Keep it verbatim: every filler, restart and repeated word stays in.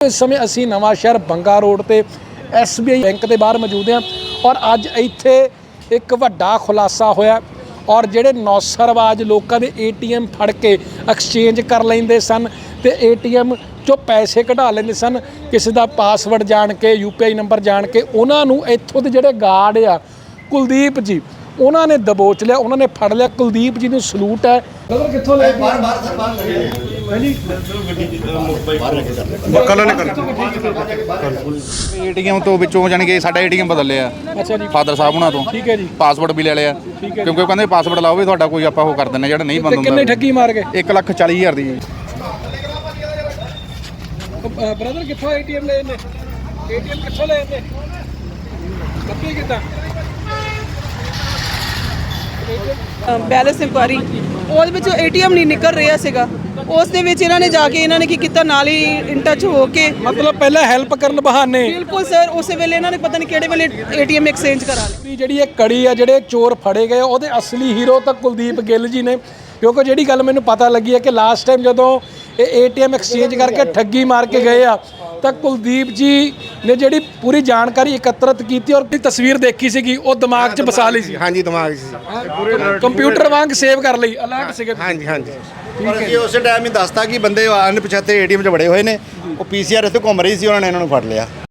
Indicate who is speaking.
Speaker 1: इस समय असी नवा शहर बंगा रोड ते एस बी आई बैंक के बाहर मौजूद हैं और अज इत्थे एक वड्डा खुलासा होया और जिहड़े नौसरबाज लोगों के ए टी एम फड़ के एक्सचेंज कर लेंदे सन ते ए टी एम चो पैसे कढ़ा लेंदे सन किसी का पासवर्ड जान के यू पी आई नंबर जान के उन्होंने इत्थों के जिहड़े गार्ड आ कुलदीप जी उन्होंने दबोच लिया, उन्होंने फड़ लिया। कुलदीप जी को सलूट है। कित्थों ले
Speaker 2: एटीएम तो विचों जानी कि साडा एटीएम बदल लिया।
Speaker 1: अच्छा जी,
Speaker 2: फादर साहब उन्हां तो
Speaker 1: ठीक है जी,
Speaker 2: पासवर्ड भी ले लिया क्योंकि कहंदे पासवर्ड लाओ भी तुहाडा कोई आपां ओह कर दिंदे जिहड़ा नहीं बंद हुंदा।
Speaker 1: किन्ने ठगी मार गए?
Speaker 2: एक लख चाली हज़ार दी।
Speaker 1: ब्रदर कित्थों एटीएम ले ने? एटीएम कित्थों ले ने? कभी कितना
Speaker 3: बैलेंस इंक्वायरी ਉਹਦੇ ਵਿੱਚ ਏਟੀਐਮ ਨਹੀਂ ਨਿਕਲ ਰਿਹਾ ਸੀਗਾ। ਉਸ ਦੇ ਵਿੱਚ ਇਹਨਾਂ ਨੇ ਜਾ ਕੇ ਇਹਨਾਂ ਨੇ ਕੀ ਕੀਤਾ, ਨਾਲ ਹੀ ਇਨ ਟੱਚ ਹੋ ਕੇ
Speaker 1: मतलब पहले हेल्प करन बहाने
Speaker 3: ਬਿਲਕੁਲ ਸਰ ਉਸੇ ਵੇਲੇ ਇਹਨਾਂ ਨੇ ਪਤਾ ਨਹੀਂ ਕਿਹੜੇ ਵੇਲੇ ਏਟੀਐਮ ਐਕਸਚੇਂਜ ਕਰਾ ਲਿਆ।
Speaker 1: ਵੀ ਜਿਹੜੀ ਇਹ ਕੜੀ ਆ ਜਿਹੜੇ ਚੋਰ ਫੜੇ ਗਏ ਉਹਦੇ ਅਸਲੀ ਹੀਰੋ ਤਾਂ ਕੁਲਦੀਪ ਗਿੱਲ ਜੀ ਨੇ, ਕਿਉਂਕਿ ਜਿਹੜੀ ਗੱਲ ਮੈਨੂੰ ਪਤਾ ਲੱਗੀ ਹੈ ਕਿ ਲਾਸਟ ਟਾਈਮ ਜਦੋਂ ਇਹ ਏ ਟੀ ਐਮ ਐਕਸਚੇਂਜ ਕਰਕੇ ਠੱਗੀ ਮਾਰ ਕੇ ਗਏ ਆ ਤਾਂ ਕੁਲਦੀਪ ਜੀ ਨੇ ਜਿਹੜੀ ਪੂਰੀ ਜਾਣਕਾਰੀ ਇਕੱਤਰਿਤ ਕੀਤੀ ਔਰ ਤਸਵੀਰ ਦੇਖੀ ਸੀਗੀ ਉਹ ਦਿਮਾਗ 'ਚ ਵਸਾ ਲਈ ਸੀ।
Speaker 4: ਹਾਂਜੀ ਦਿਮਾਗ 'ਚ ਸੀ ਪੂਰੇ
Speaker 1: ਕੰਪਿਊਟਰ ਵਾਂਗ ਸੇਵ ਕਰ ਲਈ, ਅਲਰਟ ਸੀਗੇ।
Speaker 4: ਹਾਂਜੀ ਹਾਂਜੀ ਪਰ ਅਸੀਂ ਉਸੇ ਟਾਈਮ ਹੀ ਦੱਸਤਾ ਕਿ ਬੰਦੇ ਅਣਪਛਾਤੇ ਏਟੀਐਮ 'ਚ ਬੜੇ ਹੋਏ ਨੇ, ਉਹ ਪੀ ਸੀ ਆਰ ਇੱਥੇ ਘੁੰਮ ਰਹੀ ਸੀ, ਉਹਨਾਂ ਨੇ ਇਹਨਾਂ ਨੂੰ ਫੜ ਲਿਆ।